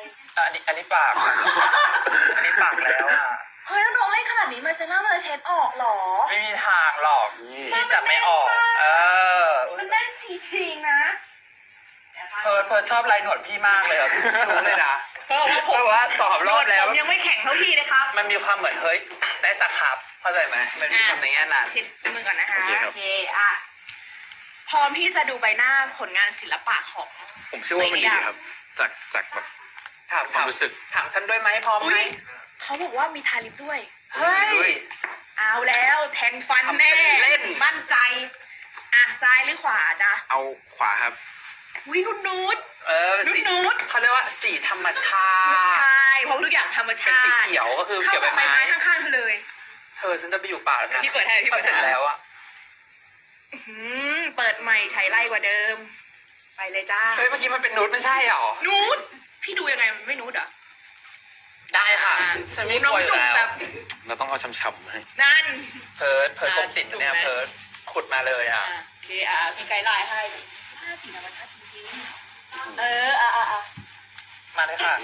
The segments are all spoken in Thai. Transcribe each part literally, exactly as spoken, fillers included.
อันนี้อันนี้ปาก อันนี้ปากแล้วอ่ะเฮ้ยน้องเล่นขนาดนี้มาเซรั่มเลยเช็ดออกเหรอไม่มีทางหรอกที่จะไม่ออก เออมันแน่นชีชิงนะเพิร์ดเพิร์ดชอบลายหนวดพี่มากเลยอ่ะรู้เลยนะเพราะว่าผมเพราะว่าสอบรอบแล้วผมยังไม่แข็งเท่าพี่เลยครับมันมีความเหมือนเฮ้ยได้สักครับเข้าใจไหมมันมีความในแง่นั้นเช็ดมือก่อนนะคะโอเคครับโอเคอ่ะพร้อมที่จะดูใบหน้าผลงานศิลปะของผมเชื่อว่ามันดีครับ จากจากแบบถามความถามรู้สึกถามฉันด้วยไหมพร้อมอุ๊ไหมยเขาบอกว่ามีทาลิปด้วยเฮ้ยเอาแล้วแทงฟันแน่ทำเป็นเล่นมั่นใจ อ่ะซ้ายหรือขวาจ๊ะเอาขวาครับวินุดนูดเออเป็นสีนุดๆเขาเรียกว่าสีธรรมชาใชติ่เพราะทุกอย่างธรรมเป็นชาสีติเขียวก็คือเข้าเขียวกับใบใบไม้ไม้ข้างๆเธอเลยเธอฉันจะไปอยู่ป่าแล้วนะพี่เปิดให้พี่เปิดพอเสร็จให้แล้วอะอื้อหือเปิดใหม่ใช้ไล่กว่าเดิม ไปเลยจ้าเฮ้ยเมื่อกี้มันเป็นนูดไม่ใช่หรอนูดพี่ดูยังไงมันไม่นูดเหรอได้ค่ะอ่ะฉันไม่น้กองลัวอยู่จุ่มแล้วแบบเราต้องเอาช้ำๆให้นั่นเพิร์ดเพิร์ดอ่ะคมสิทธิ์เนี่ยถูกไหมเพิร์ดขุดมาเลยอ่ะอ่ะโอเคอ่ะมีไกด์ไลน์ให้ห้าสีธรรมชาติจริงๆเอออ่ะอ่ะอ่ะมาเลยค่ะ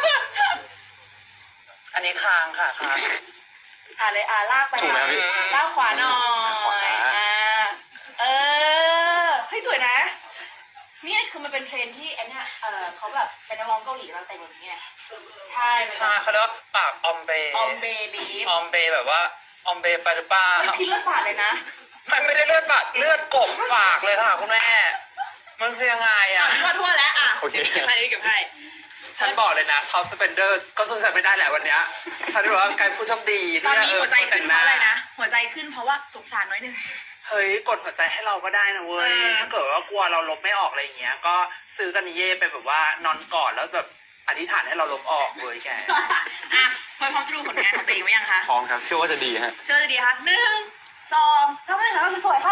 อันนี้คางค่ะคางอ่ะเลยอ่ะลากไปถูกไหมครับพี่ลากขวาหน่อขวายอ่ะเออเฮ้ยสวยนะ นี่คือมันเป็นเทรนด์ที่ไอ้เนี่ยเออเขาแบบเป็นนักร้องเกาหลีแล้วแต่งแบบนี้ไงใช่ใช่เขาเรียกว่าปากออมเบออมเบลีฟออมเบแบบว่าออมเบไปหรือเปล่าไม่พิษละศาสตร์เลยนะมันไม่ได้เลือดบาดเลือดกบฝากเลยค่ะคุณแม่ มันคือยังไงอ่ะอ่ะทั่วทั่วแล้วอ่ะโอเคเก็บให้เก็บให้ฉันบอกเลยนะท็อปสเปนเดอร์ก็สู้ฉันไม่ได้แหละวันเนี้ยฉันถือว่าการผู้โชคดีตอนที่นี้เออหัวใจขึ้นเพราะอะไรนะ หัวใจขึ้นเพราะว่าสงสารน้อยหนึงเฮ้ยกดหัวใจให้เราก็ได้นะเว้ยเออถ้าเกิดว่ากลัวเราลบไม่ออกอะไรอย่างเงี้ย ก็ซื้อกันนิเย่ไปแบบว่านอนกอดแล้วแบบอธิษฐานให้เราลบออกเลยแกอ่ะพอพร้อมจะดูผลงานของตัวเองไหมยังคะพร้อมครับ เชื่อว่าจะดีฮะเชื่อจะดีคะหนึ่งสองสามให้ถ่ายรูปสวยๆค่ะ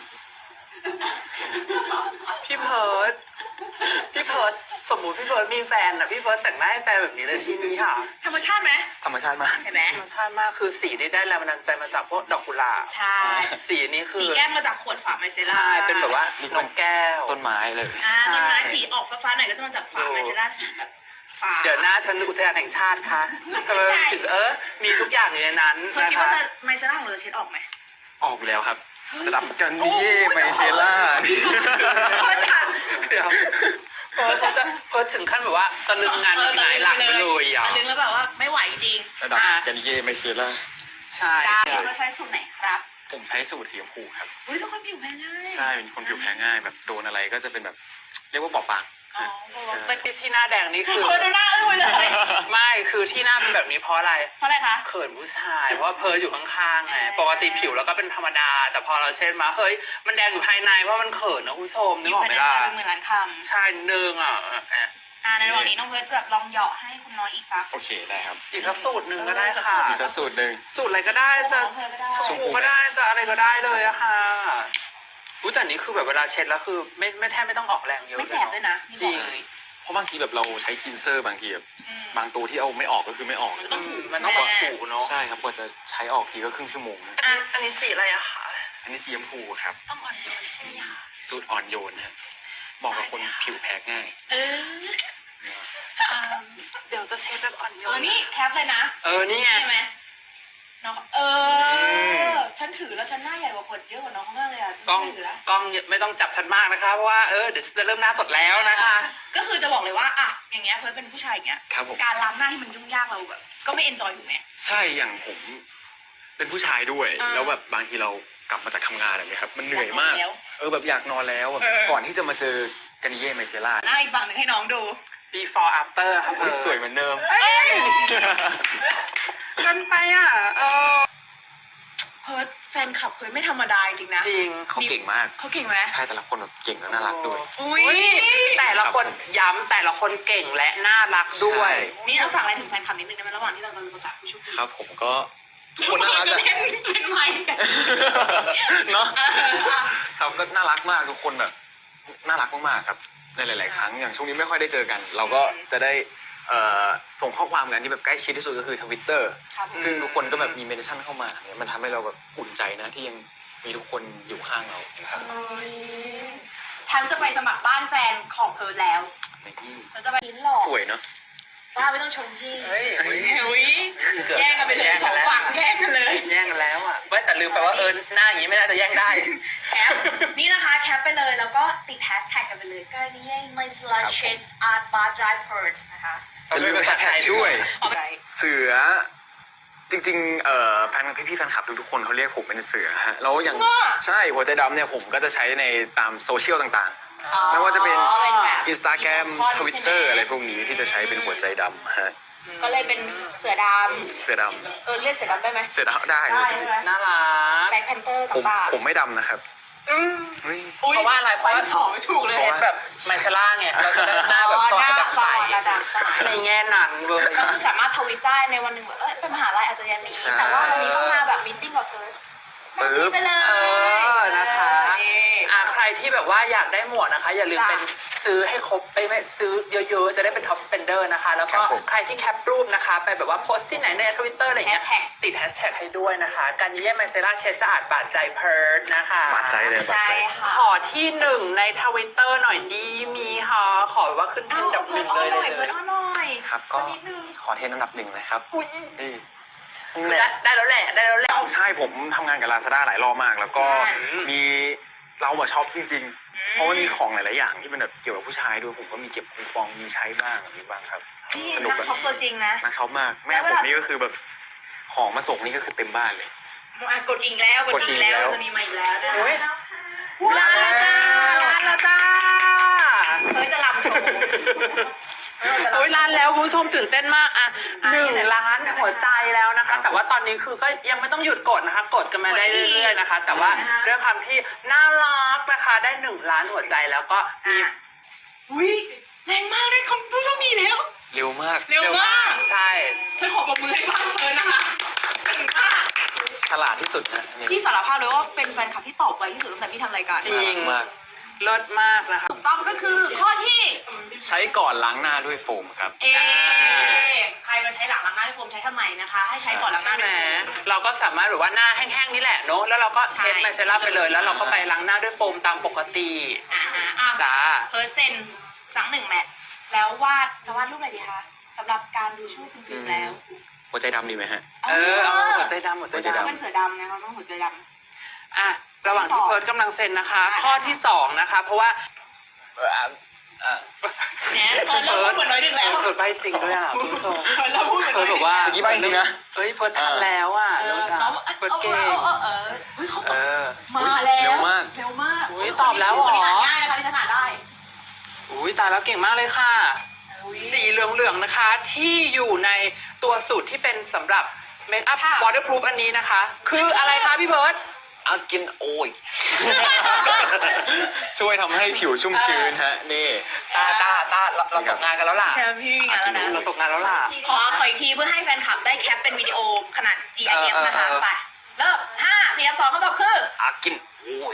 พี่เพิร์ดพี่เพิร์ดสมมุติพี่เพิร์ดมีแฟนอ่ะพี่เพิร์ดแต่งหน้าให้แฟนแบบนี้เลยใช่ไหมค่ะธรรมชาติไหมธรรมชาติมากเห็นไหมธรรมชาติมากคือสีนี่ได้แรงบันดาลใจมาจากพวกดอกกุหลาบใช่สีนี้คืสีอแก้มมาจากขวดฝาไมเซล่าใช่เป็นแบบว่านกแก้วต้นไม้เลยอ่าใช่ต้นไม้สีออกฟ้าๆหน่อยก็จะมาจากฝาไมเซล่าสีแบบฟ้าเดี๋ยวหน้าฉันอุทยานแห่งชาติค่ะทำไมใช่เออ มีทุกอย่างอยู่ในนั้นเธอนะคิดคะว่าจะไมเซล่าของเราจะเช็ดออกไหมออกแล้วครับ รับกันนี่เย่ไมเซล่าเพิร์ดค่ะเดี๋ยวเพิร์ดเขาจะเพิร์ดถึงขั้นแบบว่าตะลึงงานหงายหลังไปเลยอ่ะตะลึงแล้วแบบว่าไม่ไหวจริงระดับอ่ะกันเย่ไมเซล่าใช่ได้เราใช้สูตรไหนครับผมใช้สูตรสีชมพูครับเฮ้ยทุกคนผิวแพ้ง่ายใช่ เป็นคนผิวแพ้ง่ายแบบโดนอะไรก็จะเป็นแบบ เรียกว่าบอบบางอ๋อฮะเป็นที่ที่หน้าแดงนี่คือเพิร์ดดูหน้าอึ้งไปเลยไม่คือที่หน้าเป็นแบบนี้เพราะอะไรเพราะอะไรคะเขินผู้ชายเพราะว่าเพิร์ดอยู่ข้างๆไงปกติผิวแล้วก็เป็นธรรมดา แต่พอเราเช็ดมาเฮ้ยมันแดงอยู่ภายในเพราะมันเขินนะคุณผู้ชมนึกออกไหมล่ะเป็นหมื่นล้านคใช่หนึ่งอ่ะอ่ะำอ่าในระหว่างนี้น้องเพิร์ดแบบลองเหยาะให้คุณน้อยอีกสักโอเคได้ครับอีกสักสูตรหนึ่งก็ได้ค่ะอีกสักสูตรหนึ่งสูตรอะไรก็ได้จะของเธอก็ได้ชมพูก็ได้จะอะไรก็ได้เลยอะค่ะรู้แต่นี้คือแบบเวลาเช็ดแล้วคือไม่ไม่แทบไม่ต้องออกแรงเยอะไม่แสบด้วยนะนี่จริงบอกเลยเพราะบางทีแบบเราใช้คลีนเซอร์บางทีแบบอืมบางตัวที่เอาไม่ออกก็คือไม่ออกเลยอืมมันต้องแบบถูเนาะใช่ครับกว่าจะใช้ออกทีก็ครึ่งชั่วโมงนะอันอันนี้สีอะไรอะคะอันนี้สีชมพูครับต้องอ่อนโยนใช่ไหมคะสูตรอ่อนโยนฮะบอกกับคนผิวแพ้ง่ายเอออ่าเดี๋ยวจะเช็ดแบบอ่อนโยเออน นี่แคปเลยนะเออนี่ไงใช่ไหมน้องเออ ฉันถือแล้วฉันหน้าใหญ่กว่าคนเยอะกว่าน้องมากเลยอ่ะฉันกล้องไม่ถือแล้วกล้องไม่ต้องจับฉันมากนะคะเพราะว่าเออเดี๋ยวจะเริ่มหน้าสดแล้วนะคะก็คือจะบอกเลยว่าอ่ะอย่างเงี้ยเพิร์ดเป็นผู้ชายอย่างเงี้ยครับผมการล้างหน้าที่มันยุ่งยากเราแบบก็ไม่เอนจอยถูกไหมใช่อย่างผมเป็นผู้ชายด้วยอ่าแล้วแบบบางทีเรากลับมาจากทำงานอะไรเงี้ยครับมันเหนื่อยมากอยากนอนแล้วเออแบบอยากนอนแล้วแบบเออก่อนที่จะมาเจอกันเย่ไมเซล่าหน้าอีกฝั่งหนึ่งให้น้องดู before after ครับอุ๊ยสวยเหมือนเดิมเอ้ยกันไปอ่ะเออเพิร์ดแฟนคลับเพิร์ดไม่ธรรมดาจริงนะจริงเขาเก่งมากเขาเก่งไหมใช่แต่ละคนแบบเก่งและน่ารักด้วยอุ้ยแต่ละคนย้ำแต่ละคนเก่งและน่ารักด้วยใช่นี่เอาฝากอะไรถึงแฟนคลับนิดนึงได้ไหมระหว่างที่เรากำลังประกาศผู้โชคดีครับผมก็ทุกคนน่ารักอะเล่นเล่นไม้กันเนาะเอออ่ะครับก็น่ารักมากทุกคนแบบน่ารักมากๆครับในหลาย ๆ ครั้งอย่างช่วงนี้ไม่ค่อยได้เจอกัน เราก็จะได้เอ่อส่งข้อความกันที่แบบใกล้ชิดที่สุดก็คือทวิตเตอร์ครับซึ่งทุกคนก็แบบมีเมนชั่นเข้ามาเนี่ยมันทำให้เราแบบอุ่นใจนะที่ยังมีทุกคนอยู่ข้างเรานะครับฉันจะไปสมัครบ้านแฟนของเพิร์ดแล้วในที่ฉันจะไปลิ้นหลอกสวยเนาะป้าไม่ต้องชมพี่เฮ้ยอุ้ยแย่งกันไปเลยสองฝั่งแย่งกันเลยแย่งกันแล้วอ่ะเว้ยแต่ลืมไปว่าเออหน้าอย่างนี้ไม่น่าจะแย่งได้แคปนี่นะคะแคปไปเลยแล้วก็ติดแฮชแท็กกันไปเลยก็นี่ my slashes art bar dry purge นะคะเป็นภาษาไทยด้วยเอาไปเสือจริงๆเอ่อแฟนพี่พี่ๆแฟนคลับทุกๆคนเขาเรียกผมเป็นเสือฮะแล้วอย่างใช่หัวใจดำเนี่ยผมก็จะใช้ในตามโซเชียลต่างๆไม่ว่าจะเป็นอ๋อเป็นแบบอินสตาแกรมทวิตเตอร์อะไรพวกนี้ที่จะใช้เป็นหัวใจดำฮะก็เลยเป็นเสือดเสือดำเออเรียกเสือดำได้ไหมำเสือดำได้ได้ใช่ไหมน่ารักแบ็คแพนเตอร์ผมต่างๆผมไม่ดำนะครับเฮ้ยเพราะว่าอะไรเพราะว่าสองถูกเลยเช็ดแบบไมเชล่าไงเราจะได้หน้าแบบซอยกระดับใสกระดับใสในแง่นั้นเว้ยก็คือสามารถทวิตได้ในวันหนึ่งแบบเออเป็นมหาลัยอาจจะยังหนีแต่ว่าวันนี้ต้องมาแบบมีตติ้งกับเพิร์ดแบบนี้ไปเลยเออนะคะนี่อ่าใครที่แบบว่าอยากได้หมวกนะคะ อย่าลืมจ้ะเป็นซื้อให้ครบไปไม่ซื้อเยอะๆ จะได้เป็นท็อปสเปนเดอร์นะคะ แล้วก็ใครที่แคปรูปนะคะ ไปแบบว่าโพสต์ที่ไหนในทวิตเตอร์อะไรเงี้ยแฮชแท็กติดแฮชแท็กให้ด้วยนะคะการเยี่ยมไมเซล่าเชสสะอาดบาดใจเพิร์ดนะคะบาดใจเลยบาดใช่ใจค่ะขอที่หนึ่งในทวิตเตอร์หน่อยดีมีค่ะขอแบบว่าขึ้นเทรนด์อันดับหนึ่งเลยหน่อยเลเพิร์ยดอ้อนหน่อยครับก็นิดนึงขอเทรนด์อันดับหนึ่งนะครับอุ๊ยนี่ได้ได้แล้วแหละได้แล้วแหละใช่ผมทำงานกับ Lazada หลายรอบมาก แล้วก็อืมมีเรามาช็อปจริงๆ เพราะว่ามีของหลายๆอย่างที่เป็นแบบเกี่ยวกับผู้ชายด้วยผมก็มีเก็บคูปองมีใช้บ้างแบบนี้บ้างครับนี่สนุกนักแบบช็อปตัวจริงนะนักช็อปมากแม่แล้วผเวมลานี่ก็คือแบบของมาส่งนี่ก็คือเต็มบ้านเลยอ่ะกดอีกแล้วกดอีกแล้วกดอีกแล้วจะมีมาอีกแล้วด้วยโอ้ยว้าวลาจ้าลาแล้วจ้าเพิร์ดจะลำโชว์โอ้ยล้านแล้วคุณผู้ชมตื่นเต้นมากอะหนึ่งล้านหัวใจแล้วนะคะ แต่ว่าตอนนี้คือก็ยังไม่ต้องหยุดกดนะคะ กดกันมาได้เรื่อยๆนะคะ แต่ว่าด้วยความที่น่ารักนะคะ ได้หนึ่งล้านหัวใจแล้วก็มีอุ้ยแรงมากได้คำผู้โชคดีแล้วเร็วมากเร็วมากใช่ฉันขอปรบมือให้บ้างเลยนะคะเก่งมากฉลาดที่สุดนะนี่พี่สารภาพเลยว่าเป็นแฟนคลับที่ตอบไวที่สุดตั้งแต่พี่ทำรายการจริงมากเลิศมากนะคะถูกต้องก็คือข้อที่ใช้ก่อนล้างหน้าด้วยโฟมครับเอใครมาใช้หลังล้างหน้าด้วยโฟมใช้ทำไมนะคะ ให้ใช้ก่อนล้างหน้าใช่ไหด้มวยโฟมเราก็สามารถแบบว่าหน้าแห้งๆนี่แหละเนอะแล้วเราก็เช็ดใช่ไมเซรั่มไปเลย แล้วเราก็ไปล้างหน้าด้วยโฟมตามปกติอ่าฮะอ่ะจ้าเพิร์เซนสังหนึ่งแมทแล้ววาดจะวาดรูปอะไรดีคะสำหรับการดูช่วงคุณพิมแล้วหัวใจดำดีไหมฮะเออเอาหัวใจดำหัวใจหัวใจดำดำเป็นเสือดำนะคะต้องหัวใจดำอ่ะระหว่างที่เพิร์ดกำลังเซ็นนะคะ ข้อที่สองนะคะ เพราะว่าเอออ่ะอ่ะเนี่ยเพิร์ดเริ่มพูดเหมือนน้อยดึงแล้วเพิร์ดใบจริงด้วยอ่ะคุณผู้ชมเพิร์ดเริ่มพูดเหมือนเพิร์ดบอกว่าเมื่อกี้ใบ้จริงนะเฮ้ยเพิร์ดทำแล้วอ่ะเอเลิอศอ่ะน้องเพิร์ดเก่งเออเออเออเฮ้ยเขาเออมาแล้วเร็วมากเร็วมากอุ๊ยตอบแล้วเหรอคนนี้อ่านง่ายนะคะที่ฉันอ่านได้อุ้ยตายแล้วเก่งมากเลยค่ะ สีเหลืองๆนะคะ ที่อยู่ในตัวสูตรที่เป็นสำหรับเมคอัพค่ะวอเตอร์พรูฟอันนี้นะคะ คืออะไรคะพี่เพิร์ดอากินโอย ช่วยทำให้ผิวชุ่มชื้นฮะ นี่ตาตาตาเราเราตกงานกันแล้วล่ะใช่พี่มีงานแล้วนะเราตกงานแล้วล่ะขอขออีกทีเพื่อให้แฟนคลับได้แคปเป็นวิดีโอขนาด จี ไอ เอฟเออนะคะเออไปเริ่มห้าสี่สองคำตอบคืออากินโอย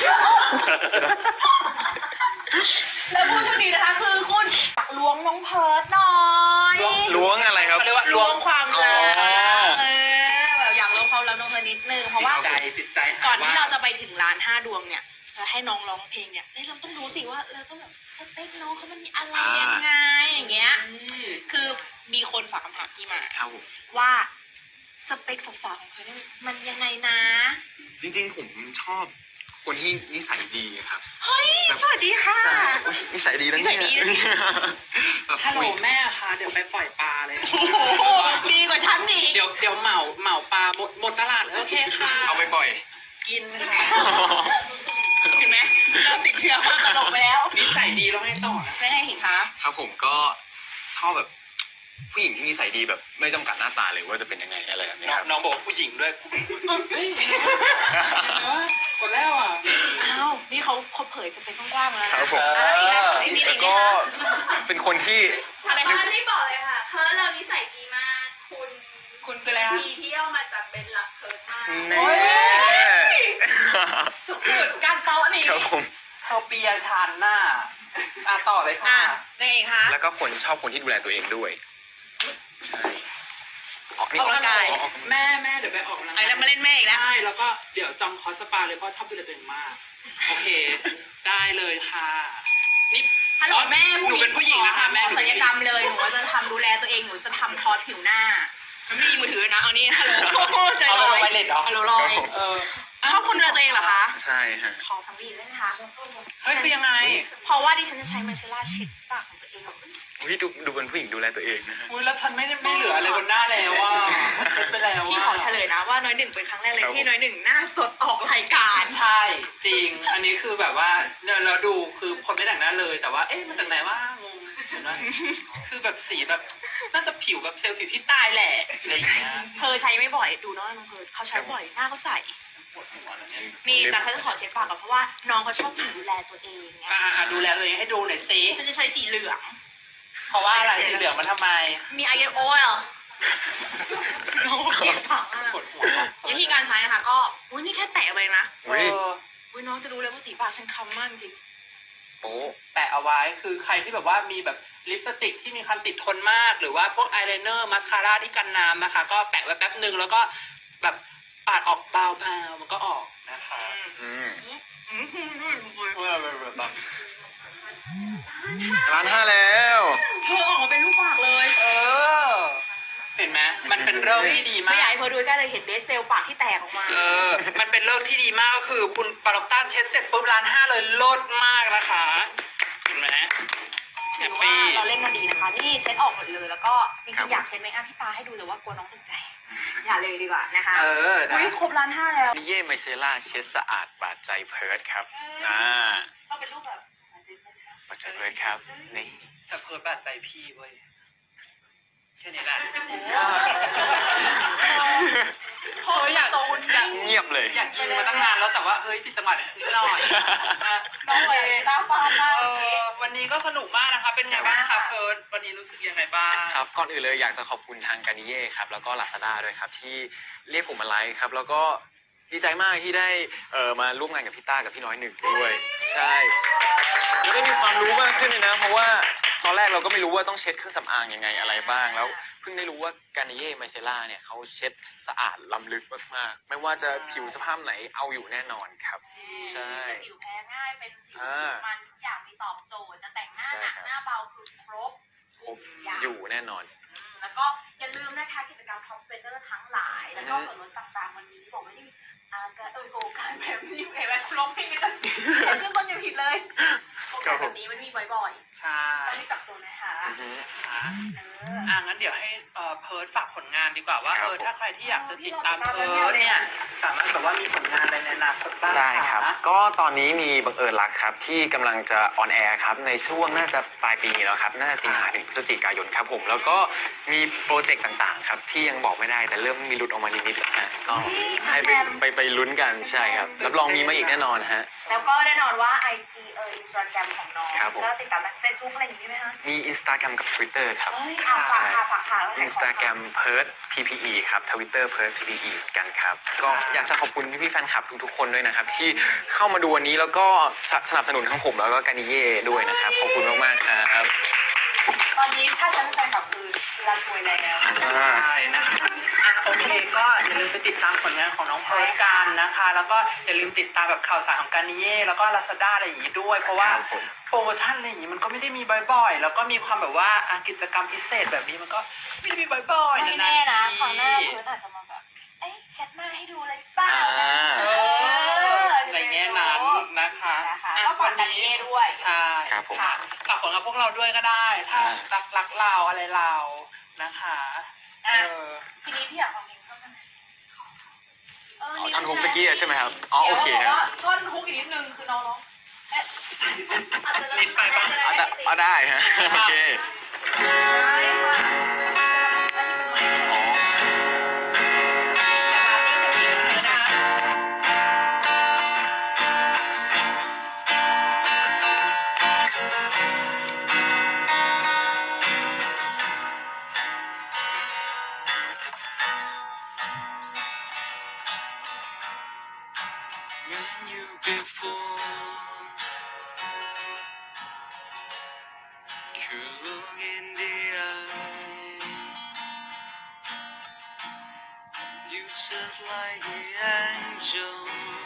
แล้วผู้โชคดีนะคะคือคุณตักล้วงน้องเพิร์ดหน่อยล้วงอะไรครับเขาเรียกว่าล้วงความลับอ๋อเออแบบอยากล้วงความลับน้องเพิร์ดนิดนึงเพราะว่าจิตใจจิตใจก่อนที่เราจะไปถึงร้านห้าดวงเนี่ยจะให้น้องร้องเพลงเนี่ยเอ้ยเราต้องรู้สิว่าเราต้องแบบสเต็ปน้องเขามันมีอะไรยังไงอย่างเงี้ย คือมีคนฝากคำถามพี่มาครับผมว่าสเปคสาวๆของเธอเนี่ยมันยังไงนะจริงๆ ผมชอบคนที่นิสัยดีครับเฮ้ย สวัสดีค่ะใช่อุ๊ยนิสัยดีนะเนี่ยนิสัยดีนะแบบฮัลโหลคุยแม่ค่ะ เดี๋ยวไปปล่อยปลาเลยโอ้โหดีกว่าฉันอีกเดี๋ยวเดี๋ยวเหมาเหมาปลาหมดหมดตลาดเลยโอเคค่ะเอาไปปล่อยกินค่ะเห็นไหมเริ่มติดเชื้อความตลกไปแล้วนิสัยดีแล้วให้ต่อนะไม่ให้เห็นคะครับผมก็ชอบแบบผู้หญิงที่นิสัยดีแบบไม่จำกัดหน้าตาเลยว่าจะเป็นยังไงอะไรแบบนี้น้องครับน้องบอกว่าผู้หญิงด้วยเฮ้ยกดแล้วอ่ะอ้าวนี่เขาเขาเผยสเปคกว้างๆแล้วคนะรับผมอ่ะอีกแล้วอีกนิดแล้วอีกนิก็ดเป็นคนที่อะไรอัคะนนี้บอกเลยค่ะ เพิร์ลเรานิสัยดีมาก คุณคุณคืออะไรคะทีที่เอามาจากเป็นหลักเพิร์ลมากแน่สุดการโต๊ะนี่ครับผมเธอเปียชันน่ะอ่ะต่อเลยอ่ะค่ะยังไงคะแล้วก็คนชอบคนที่ดูแลตัวเองด้วยใช่ออกนี่ออกกำลังกายออกแม่แม่เดี๋ยวไปออกกำลังไอ้กายแล้วมาเล่นแม่อีกแล้วใช่แล้วก็เดี๋ยวจองคอร์สสปาเลยเพราะชอบดูแลตัวเองมาก โอเค ได้เลยค่ะ นี่ฮัลโหลแม่หนูเป็นผู้หญิงนะคะแม่ศัลยกรรมเลยหนูว่าจะทำดูแลตัวเองมีมือถือนะเอานี่ฮัลโหลใจเอาลลอง ยไปเลยเหรอฮัลโหลลอยเออชอบคนดูแลตัวเองเหรอคะใช่ฮะขอสังวีได้ไหมคะเฮ้ยคือยังไงเพราะว่าดิฉันจะใช้มาเซล่าเช็ดปากของตัวเองอุ้ยดูดูเป็นผู้หญิงดูแลตัวเองนะฮะอุ้ยแล้วฉันไม่ได้ไม่เหลืออะไรบนหน้าแล้วอ่ะเช็ดไปแล้วพี่อ่ะขอเฉลยนะว่าน้อยหนึ่งเป็นครั้งแรกเลยครับที่น้อยหนึ่งหน้าสดออกรายการใช่จริง อันนี้คือแบบว่าเนี่ยเราดูคือคนไม่แต่งหน้าเลย แต่ว่าเอ๊ะมาจากไหนว่างงเห็นไหมคือแบบสีแบบน่าจะผิวแบบเซลล์ผิวที่ตายแหละอะไรอย่างเงี้ยเธอใช้ไม่บ่อยดูน้องน้องเพิร์ดเขาใช้บ่อยหน้าเขาใสปวดหัวแล้วเนี่ยนี่แต่ฉันจะขอเช็ดปากก่อนเพราะว่าน้องเขาชอบดูแลตัวเองไงอ่าดูแลตัวเองให้ดูหน่อยซิฉันจะใช้สีเหลืองเพราะว่าอะไรสีเหลืองมันทำไมมีไอเอโอเอลน้องเกลียดผังอ่ะปวดหัววิธีการใช้นะคะก็อุ้ยนี่แค่แตะไปนะเออุ้ยออุ้ยน้องจะรู้เลยว่าสีปากฉันคล้ำมากจริงโป๊ะแปะเอาไว้คือใครที่แบบว่ามีแบบลิปสติกที่มีความติดทนมาก หรือว่าพวกอายไลเนอร์มาสคาร่าที่กันน้ำนะคะ ก็แปะไว้แป๊บหนึ่งแล้วก็แบบปาดออกเบาๆมันก็ออกนะคะอืมอืมอืมอืมอืมเออเออเออแบบร้านห้าแล้วเธอออกมาเป็นลูกปากเลยเออ เห็นไหมมันเป็นเรื่องที่ดีไม่มาอยากกให้เธอดูใกล้เลยเห็นเบสเซลปากที่แตกออกมาเออ มันเป็นเรื่องที่ดีมากก็คือคุณปาล็อกต้าเช็ดเสร็จปุ๊บร้านห้าเลยลดมากนะคะเห็นไหมแฮถืปอว่าปี้เราเล่นมาดีนะคะ นี่เช็ดออกหมดเลย แล้วก็จครัริบงๆอยากเช็ดไหมอ่ะพี่ตาให้ดูแต่ว่ากลัวน้องตกใจ อย่าเลยดีกว่านะคะเออนะอุ้ยครบร้านห้าแล้วนิเย่ไมเซล่าเช็ดสะอาดบาดใจเพิร์ดครับอ่าต้องเป็นรูปแบบบาดใจเพิร์ดครับนี่แต่เพิร์ดบาดใจพี่เว้ยแค่นี้แหละโอ้ยอยากโตนอยากเงียบเลยอยากกินมาตั้งนานแล้วแต่ว่าเฮ้ยผิดจังหวะนิดหน่อยอ่ะน้องเลยตาฟาดมากเอเมื่อกี้อวันนี้ก็สนุกมากนะคะ เป็นไงบ้างคะเพิร์ดวันนี้รู้สึกยังไงบ้างครับก่อนอื่นเลยอยากจะขอบคุณทางการนิเย่ครับแล้วก็ลาซาด้าด้วยครับที่เรียกผมมาไลฟ์ครับแล้วก็ดีใจมากที่ได้เอ่อมาร่วมงานกับพี่ต้ากับพี่น้อยหนึ่งด้วยใช่แล้วได้มีความรู้มากขึ้นเลยนะ เพราะว่าตอนแรกเราก็ไม่รู้ว่าต้องเช็ดเครื่องสำอางยังไงอะไรบ้างแล้วเพิ่งได้รู้ว่าการนิเย่ไมเซล่าเนี่ยเขาเช็ดสะอาดล้ำลึกมากๆไม่ว่าจะผิวสภาพไหนเอาอยู่แน่นอนครับใช่ผิวแพ้ง่ายเป็นสิวอ่ามันทุกอย่างมีตอบโจทย์จะแต่งหน้าหนักใช่ครับหน้าเบาคือครบครบอยู่แน่นอนอืมแล้วก็อย่าลืมนะคะกิจกรรมท็อปสเปเดอร์ทั้งหลาย แล้วก็ส่วนลดต่างๆวันนี้บอกไม่ได้มีอาการเออโอกาสแบบนี้เห็นไหมร้องเพลงไม่ได้เห็นชื่อคนอยู่ผิดเลยโอกาสแบบนี้มันมีบ่อยใช่ๆต้องรีบจับตัวนะคะอือฮึอ่ะเอออ่ะงั้นเดี๋ยวให้เอ่อเพิร์ดฝากผลงานดีกว่าว่าครับเออถ้าใครที่อยากจะติดตามอ๋อที่เพิเราติดตามร์ดเนี่ยสามารถแบบว่ามีผลงานอะไรในอนาคตบ้างได้ครับะก็ตอนนี้มีบังเอิญรักครับที่กำลังจะออนแอร์ครับในช่วงน่าจะปลายปีแล้วครับน่าจะสิงหาถึงพฤศจิกายนครับผมแล้วก็มีโปรเจกต์ต่างๆครับที่ยังบอกไม่ได้แต่เริ่มมีหลุดออกมานิดๆแล้วฮะก็ให้ไปไปไปลุ้นกันใช่ครับรับรองมีมาอีกแน่นอนฮะแล้วก็แน่นอนว่า ไอ จี เออ Instagram ของน้องครับผมก็ติดตามเฟซบุ๊กอะไรอย่างนี้ไหมคะมี Instagram กับ Twitter ครับเอ้ยเอาฝากค่ะฝากค่ะแล้วไหนขอ Instagram เพิร์ด พี พี อี ครับ Twitter เพิร์ด พี พี อี เหมือนกันครับก็อยากจะขอบคุณพี่ๆแฟนคลับทุกๆคนด้วยนะครับที่เข้ามาดูวันนี้แล้วก็สสนับสนุนทั้งผมแล้วก็การนิเย่ด้วยนะครับขอบคุณมากๆครับตอนนี้ถ้าฉันเป็นแฟนคลับคือรันรวยแล้วอ่าใช่นะคะอ่ะโอเคก็อย่าลืมไปติดตามผลงานของน้องเพิร์ดกันนะคะ แล้วก็อย่าลืมติดตามแบบข่าวสารของการนิเย่แล้วก็ลาซาด้าอะไรอย่างนี้ด้วย เพราะว่าครับผมโปรโมชั่นอะไรอย่างนี้มันก็ไม่ได้มีบ่อยๆ แล้วก็มีความแบบว่าอ่ะกิจกรรมพิเศษแบบนี้มันก็ไม่ได้มีบ่อยๆไม่นะแน่นะทีคราวหน้าเพิร์ดอาจจะมาแบบ เอ๊ะแชทหน้าให้ดูเลยเปล่าอ่าเออในแง่นั้นนะคะนะคะอ่ะก็ฝากการนิเย่ด้วยใช่ครับผมค่ะฝากผลงานพวกเราด้วยก็ได้ ถ้าอ่ารักรักเราอะไรเรานะคะเออ่ะอทีนี้พี่อยากฟังเพลงเพิ่มได้ไหมเอ๋อท่อนฮุกตะกี้อะใช่ไหมครับอ๋อโอเคดี๋ยวฮะบอกว่าท่อนฮุกอีกนิดนึงคือน้องร้องเอ๊ะอาจจะนิดไปปะเอาแต่เอาได้ฮะโอเคได้ค่ะอันนี้เป็นไมค์นะคะมีเสียงเพลงเลยนะคะ When you before could look in the eye, you just like an angel.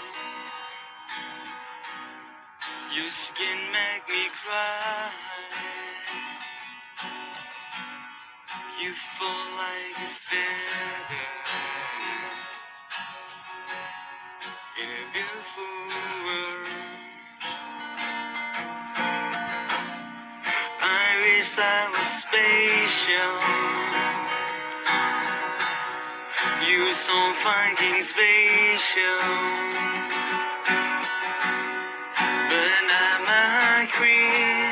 Your skin make me cry. You fall like a feather in a beautiful world. I wish I was spatial. You so fucking spatial. But I'm a creep.